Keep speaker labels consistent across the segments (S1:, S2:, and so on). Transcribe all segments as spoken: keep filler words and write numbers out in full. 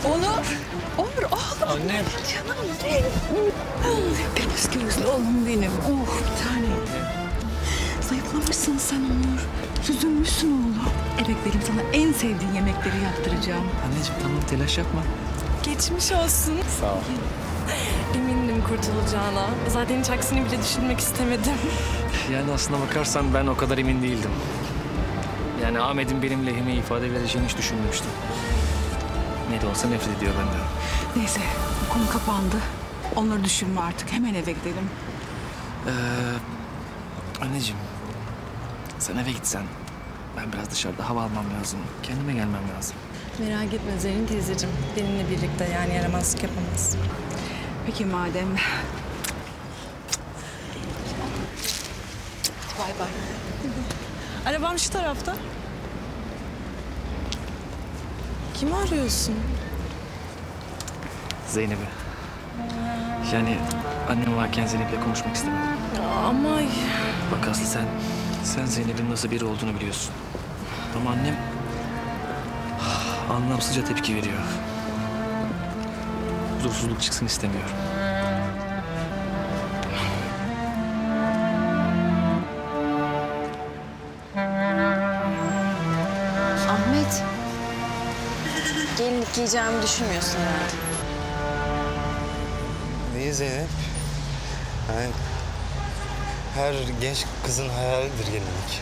S1: Onur. Onur oğlum.
S2: Annem.
S1: Canım benim. Deniz gözlü oğlum benim. Oh bir tane. Zayıflamışsın sen Onur. Süzülmüşsün oğlum. Evet benim sana en sevdiğin yemekleri yaptıracağım.
S2: Anneciğim tamam telaş yapma.
S3: Geçmiş olsun.
S2: Sağ ol.
S3: Emindim kurtulacağına. Zaten hiç aksini bile düşünmek istemedim.
S2: Yani aslına bakarsan ben o kadar emin değildim. Yani Ahmet'in benim lehime ifade vereceğini hiç düşünmemiştim. Ne de olsa nefret ediyor benden.
S1: Neyse bu konu kapandı. Onları düşünme artık. Hemen eve gidelim.
S2: Ee, anneciğim, sen eve gitsen. Ben biraz dışarıda hava almam lazım. Kendime gelmem lazım.
S3: Merak etme Zerrin teyzeciğim. Benimle birlikte yani yaramazlık yapamaz.
S1: Peki madem. Bay bay.
S3: Arabam şu tarafta. Kimi arıyorsun?
S2: Zeynep'i. Yani annem varken Zeynep'le konuşmak istemedim.
S3: Ama
S2: Bak Aslı sen, sen Zeynep'in nasıl biri olduğunu biliyorsun. Ama annem anlamsızca tepki veriyor. Huzursuzluk çıksın istemiyorum.
S4: Ahmet. Gelinlik giyeceğimi düşünmüyorsun herhalde.
S5: Neyi Zeynep? Yani her genç kızın hayalidir gelinlik.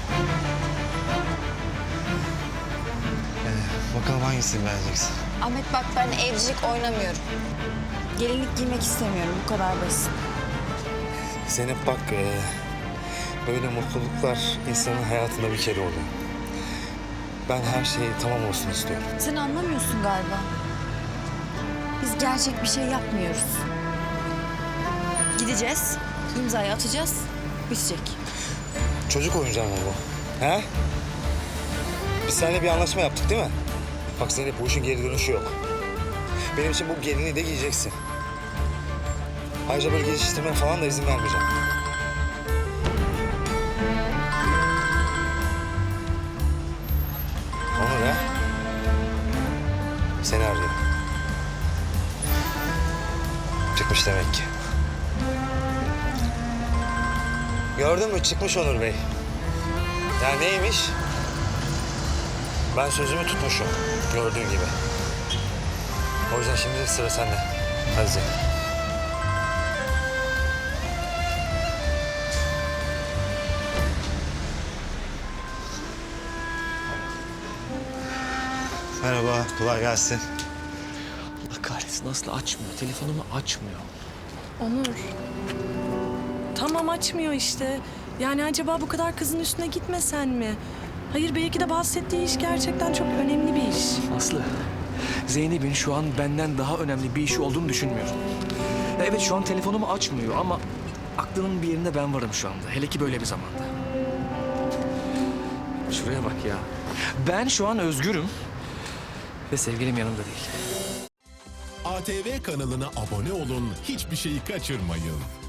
S5: Ee, bakalım hangisini beğeneceksin?
S4: Ahmet bak ben evcilik oynamıyorum. Gelinlik giymek istemiyorum. Bu kadar basit.
S5: Zeynep bak, e, böyle mutluluklar insanın hayatında bir kere oluyor. Ben her şey tamam olsun istiyorum.
S4: Sen anlamıyorsun galiba. Biz gerçek bir şey yapmıyoruz. Gideceğiz, imzayı atacağız, bitecek.
S5: Çocuk oyuncağı mı bu? He? Biz seninle bir anlaşma yaptık değil mi? Bak Zeynep, bu işin geri dönüşü yok. Benim için bu gelinliği de giyeceksin. Ayrıca böyle geçiştirmeye falan da izin vermeyeceğim. Onur ha? Seni arıyorum. Çıkmış demek ki. Gördün mü? Çıkmış Onur Bey. Yani neymiş? Ben sözümü tutmuşum. Gördüğün gibi. O yüzden şimdi sıra sende. Hadi Zeynep. Merhaba, kolay gelsin.
S2: Allah kahretsin Aslı açmıyor. Telefonumu açmıyor.
S3: Onur. Tamam açmıyor işte. Yani acaba bu kadar kızın üstüne gitmesen mi? Hayır belki de bahsettiği iş gerçekten çok önemli bir iş.
S2: Aslı, Zeynep'in şu an benden daha önemli bir işi olduğunu düşünmüyorum. Evet şu an telefonumu açmıyor ama aklının bir yerinde ben varım şu anda. Hele ki böyle bir zamanda. Şuraya bak ya. Ben şu an özgürüm ve sevgilim yanımda değil.
S6: A T V kanalına abone olun, hiçbir şeyi kaçırmayın.